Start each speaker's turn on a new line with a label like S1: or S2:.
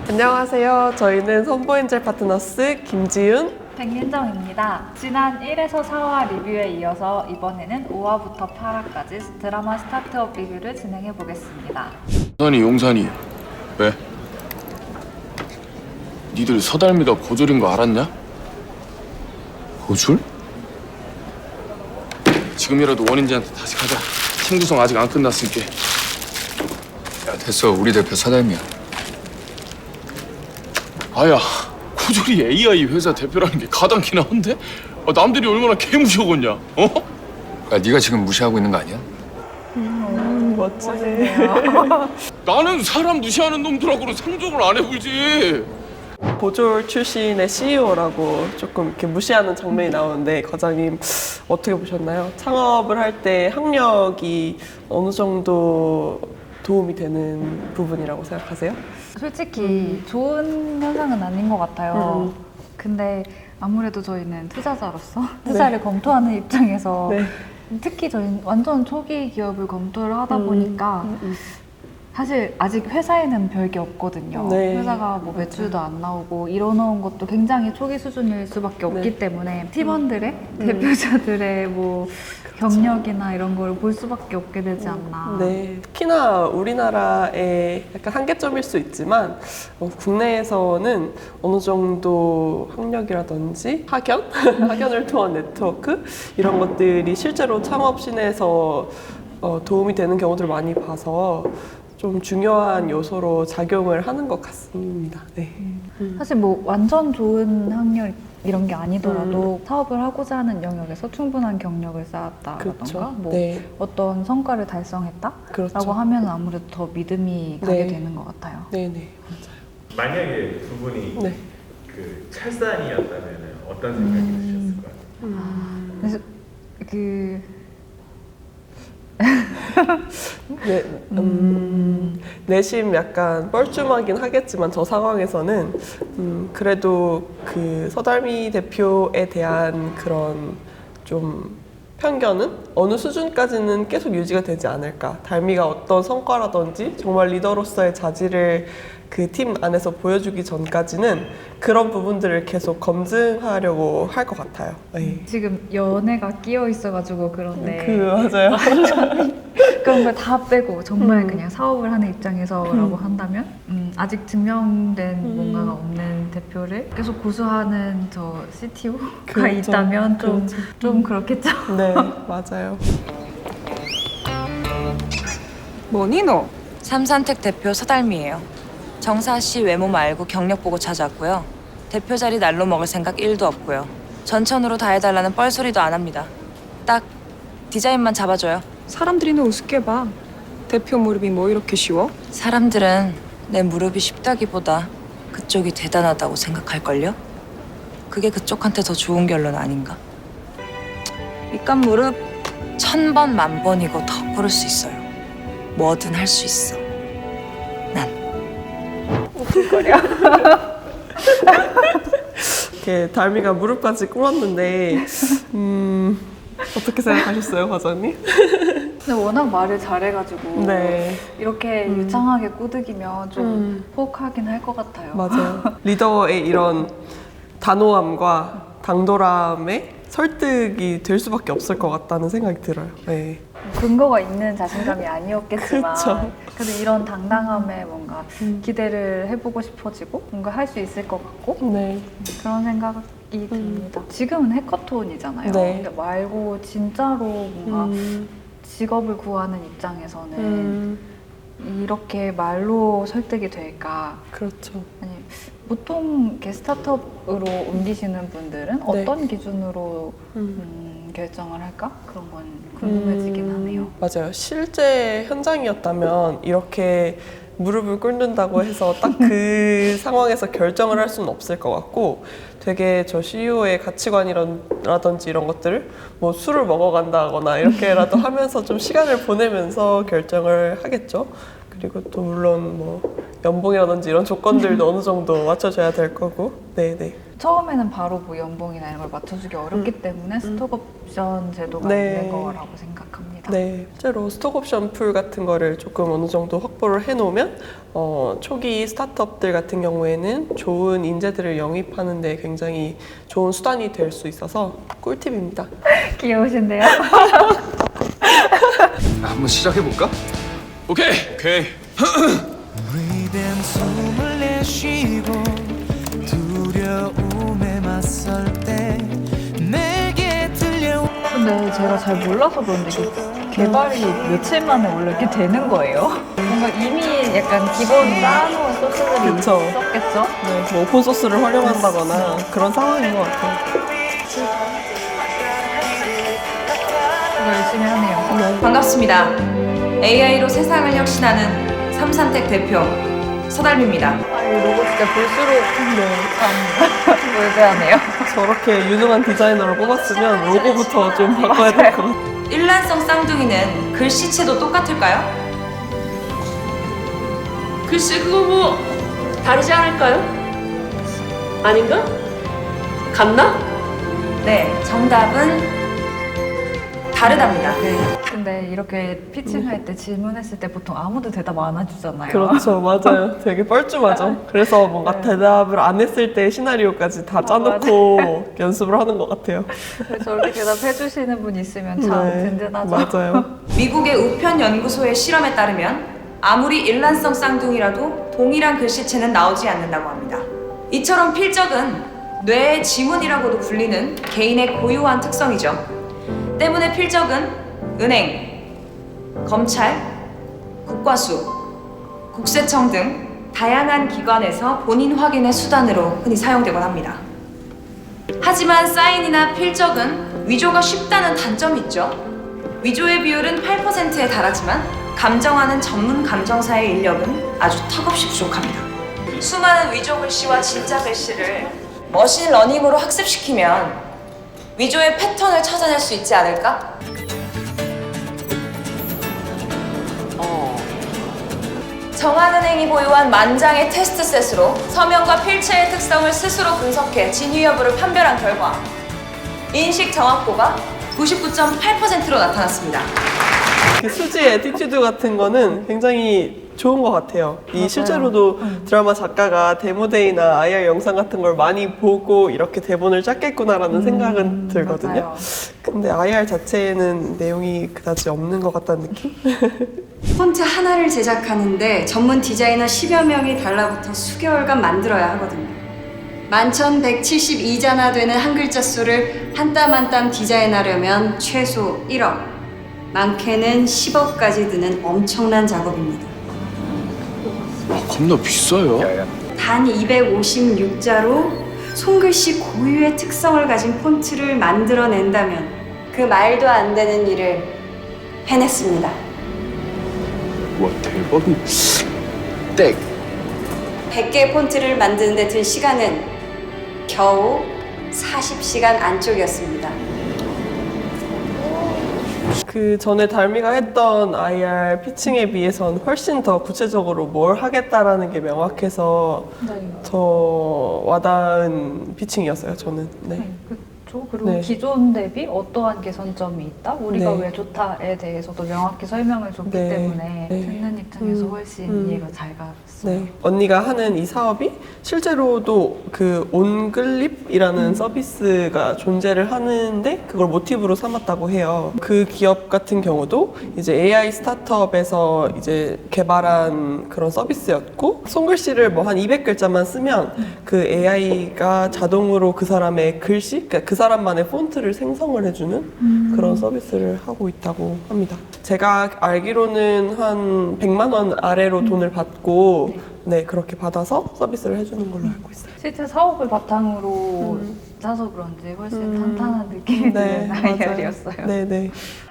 S1: 안녕하세요. 저희는 선보엔젤 파트너스 김지윤,
S2: 백민정입니다. 지난 1에서 4화 리뷰에 이어서 이번에는 5화부터 8화까지 드라마 스타트업 리뷰를 진행해 보겠습니다.
S3: 용산이 왜? 니들 서달미가 고졸인 거 알았냐? 고졸? 지금이라도 원인지한테 다시 가자. 팀 구성 아직 안 끝났으니까.
S4: 야, 됐어. 우리 대표 서달미야.
S3: 아야, 고졸이 AI 회사 대표라는 게 가당키나 한데? 남들이 얼마나 개무시하겠냐? 어?
S4: 야, 네가 지금 무시하고 있는 거 아니야?
S1: 멋지네.
S3: 나는 사람 무시하는 놈들하고는 상종을 안 해보지.
S1: 보졸 출신의 CEO라고 조금 이렇게 무시하는 장면이 나오는데 과장님 어떻게 보셨나요? 창업을 할 때 학력이 어느 정도 도움이 되는 부분이라고 생각하세요?
S2: 솔직히 좋은 현상은 아닌 것 같아요. 근데 아무래도 저희는 투자자로서 투자를 검토하는 입장에서
S1: 네.
S2: 특히 저희는 완전 초기 기업을 검토를 하다 보니까 사실 아직 회사에는 별게 없거든요.
S1: 네.
S2: 회사가 뭐 매출도 안 나오고 이뤄놓은 것도 굉장히 초기 수준일 수밖에 없기
S1: 네.
S2: 때문에 팀원들의 대표자들의 뭐 경력이나 이런 걸 볼 수밖에 없게 되지 않나.
S1: 네, 특히나 우리나라의 약간 한계점일 수 있지만 국내에서는 어느 정도 학력이라든지 학연, 학연을 통한 네트워크 이런 것들이 실제로 창업신에서 도움이 되는 경우들을 많이 봐서 좀 중요한 요소로 작용을 하는 것 같습니다. 네.
S2: 사실 뭐 완전 좋은 학력 이런 게 아니더라도 사업을 하고자 하는 영역에서 충분한 경력을 쌓았다라던가
S1: 그렇죠.
S2: 뭐
S1: 네.
S2: 어떤 성과를 달성했다라고
S1: 그렇죠.
S2: 하면 아무래도 더 믿음이 가게
S1: 네.
S2: 되는 것 같아요.
S1: 네네.
S5: 만약에 두 분이
S1: 네.
S5: 그 찰산이었다면 어떤 생각이 드셨을 것 같아요?
S2: 그래서 그
S1: 네, 내심 약간 뻘쭘하긴 하겠지만 저 상황에서는 그래도 그 서달미 대표에 대한 그런 좀 편견은 어느 수준까지는 계속 유지가 되지 않을까. 달미가 어떤 성과라든지 정말 리더로서의 자질을 그 팀 안에서 보여주기 전까지는 그런 부분들을 계속 검증하려고 할 것 같아요. 네.
S2: 지금 연애가 끼어 있어가지고 그런데
S1: 맞아요.
S2: 그런 걸 다 빼고 정말 그냥 사업을 하는 입장에서라고 한다면 아직 증명된 뭔가가 없는 대표를 계속 고수하는 저 CTO가
S1: 그렇죠.
S2: 있다면 좀 그렇겠죠.
S1: 네, 맞아요.
S6: 뭐니 너?
S7: 삼산텍 대표 서달미예요. 정사 씨 외모 말고 경력 보고 찾아왔고요. 대표 자리 날로 먹을 생각 1도 없고요. 전천후로 다 해달라는 뻘소리도 안 합니다. 딱 디자인만 잡아줘요.
S6: 사람들이 너 우습게 봐. 대표 무릎이 뭐 이렇게 쉬워?
S7: 사람들은 내 무릎이 쉽다기보다 그쪽이 대단하다고 생각할걸요? 그게 그쪽한테 더 좋은 결론 아닌가?
S6: 밑간 무릎
S7: 1000번 만번이고 더 고를 수 있어요. 뭐든 할 수 있어. 난.
S1: 이렇게 달미가 무릎까지 꿇었는데 어떻게 생각하셨어요, 과장님?
S2: 근데 워낙 말을 잘해가지고
S1: 네,
S2: 이렇게 유창하게 꾸득이면 좀 포악하긴 할 것 같아요.
S1: 맞아요. 리더의 이런 단호함과 당돌함에 설득이 될 수밖에 없을 것 같다는 생각이 들어요. 네.
S2: 근거가 있는 자신감이 아니었겠지만
S1: 그쵸.
S2: 그래도 이런 당당함에 뭔가 기대를 해보고 싶어지고 뭔가 할 수 있을 것 같고
S1: 네.
S2: 그런 생각이 듭니다. 지금은 해커톤이잖아요.
S1: 네.
S2: 근데 말고 진짜로 뭔가 직업을 구하는 입장에서는 이렇게 말로 설득이 될까?
S1: 그렇죠.
S2: 아니 보통 이렇게 스타트업으로 옮기시는 분들은
S1: 네.
S2: 어떤 기준으로 결정을 할까? 그런 건 궁금해지긴 하네요.
S1: 맞아요. 실제 현장이었다면 이렇게 무릎을 꿇는다고 해서 딱 그 상황에서 결정을 할 수는 없을 것 같고 되게 저 CEO의 가치관이라든지 이런 것들을 뭐 술을 먹어간다거나 이렇게라도 하면서 좀 시간을 보내면서 결정을 하겠죠. 그리고 또 물론 뭐 연봉이라든지 이런 조건들도 어느 정도 맞춰줘야 될 거고. 네네.
S2: 처음에는 바로 뭐 연봉이나 이런 걸 맞춰주기 어렵기 때문에 스톡옵션 제도가
S1: 네.
S2: 있는 거라고 생각합니다.
S1: 네, 실제로 스톡옵션 풀 같은 거를 조금 어느 정도 확보를 해놓으면 초기 스타트업들 같은 경우에는 좋은 인재들을 영입하는 데 굉장히 좋은 수단이 될 수 있어서 꿀팁입니다.
S2: 귀여우신데요?
S4: 한번 시작해볼까?
S3: 오케이.
S8: 우리는 숨을 내쉬고 두려움에 맞설 때 내게 들려온
S2: 근데 제가 잘 몰라서 그런데 이게 개발이 며칠 만에 원래 이렇게 되는 거예요? 뭔가 이미 약간 기본 쌓아놓은 소스들이
S1: 그쵸.
S2: 있었겠죠?
S1: 네, 뭐 오픈소스를 활용한다거나 그런 상황인 것 같아요.
S2: 이거 열심히 하네요.
S7: 반갑습니다. AI로 세상을 혁신하는 삼산텍 대표 서달미입니다.
S2: 아, 이 로고 진짜 볼수록 참 몰대하네요.
S1: 저렇게 유능한 디자이너를 뽑았으면 로고부터 좀 바꿔야 될 것 같아요.
S7: 일란성 쌍둥이는 글씨체도 똑같을까요?
S9: 글쎄 그거 뭐 다르지 않을까요? 아닌가? 같나?
S7: 네, 정답은 다르답니다.
S2: 근데 이렇게 피칭할 때 질문했을 때 보통 아무도 대답 안 해주잖아요.
S1: 그렇죠, 맞아요. 되게 뻘쭘하죠. 그래서 뭔가 대답을 안 했을 때 시나리오까지 다 짜놓고 연습을 하는 것 같아요.
S2: 저렇게 대답해주시는 분 있으면 참 든든하죠.
S1: 맞아요.
S7: 미국의 우편 연구소의 실험에 따르면 아무리 일란성 쌍둥이라도 동일한 글씨체는 나오지 않는다고 합니다. 이처럼 필적은 뇌의 지문이라고도 불리는 개인의 고유한 특성이죠. 때문에 필적은 은행, 검찰, 국과수, 국세청 등 다양한 기관에서 본인 확인의 수단으로 흔히 사용되곤 합니다. 하지만 사인이나 필적은 위조가 쉽다는 단점이 있죠. 위조의 비율은 8%에 달하지만 감정하는 전문 감정사의 인력은 아주 턱없이 부족합니다. 수많은 위조 글씨와 진짜 글씨를 머신러닝으로 학습시키면 위조의 패턴을 찾아낼 수 있지 않을까? 정한은행이 보유한 만장의 테스트셋으로 서명과 필체의 특성을 스스로 분석해 진위 여부를 판별한 결과 인식 정확도가 99.8%로 나타났습니다.
S1: 그 수지의 애티튜드 같은 거는 굉장히 좋은 것 같아요. 이 실제로도 드라마 작가가 데모데이나 IR 영상 같은 걸 많이 보고 이렇게 대본을 짰겠구나라는 생각은 들거든요.
S2: 맞아요.
S1: 근데 IR 자체에는 내용이 그다지 없는 것 같다는 느낌?
S10: 폰트 하나를 제작하는데 전문 디자이너 10여 명이 달라붙어 수개월간 만들어야 하거든요. 11,172자나 되는 한 글자 수를 한 땀 한 땀 디자인하려면 최소 1억, 많게는 10억까지 드는 엄청난 작업입니다.
S3: 겁나 비싸요.
S10: 단 256자로 손글씨 고유의 특성을 가진 폰트를 만들어낸다면 그 말도 안 되는 일을 해냈습니다.
S3: 와 대박이. 땡.
S10: 100개의 폰트를 만드는 데 든 시간은 겨우 40시간 안쪽이었습니다.
S1: 그 전에 달미가 했던 IR 피칭에 비해선 훨씬 더 구체적으로 뭘 하겠다라는 게 명확해서 더 와닿은 피칭이었어요, 저는. 네.
S2: 그렇죠. 그리고
S1: 네.
S2: 기존 대비 어떠한 개선점이 있다? 우리가
S1: 네.
S2: 왜 좋다에 대해서도 명확히 설명을 줬기
S1: 네.
S2: 때문에
S1: 네.
S2: 듣는 입장에서 훨씬 이해가 잘 갔어요.
S1: 네. 언니가 하는 이 사업이 실제로도 그 온글립이라는 서비스가 존재를 하는데 그걸 모티브로 삼았다고 해요. 그 기업 같은 경우도 이제 AI 스타트업에서 이제 개발한 그런 서비스였고 손글씨를 뭐 한 200글자만 쓰면 그 AI가 자동으로 그 사람의 글씨, 그러니까 그 사람만의 폰트를 생성을 해주는 그런 서비스를 하고 있다고 합니다. 제가 알기로는 한 100만 원 아래로 돈을 받고 네, 그렇게 받아서 서비스를 해주는 걸로 알고 있어요.
S2: 실제 사업을 바탕으로 짜서 그런지 훨씬 탄탄한 느낌이 드는
S1: 맞아요.
S2: IR이었어요.
S1: 네, 네.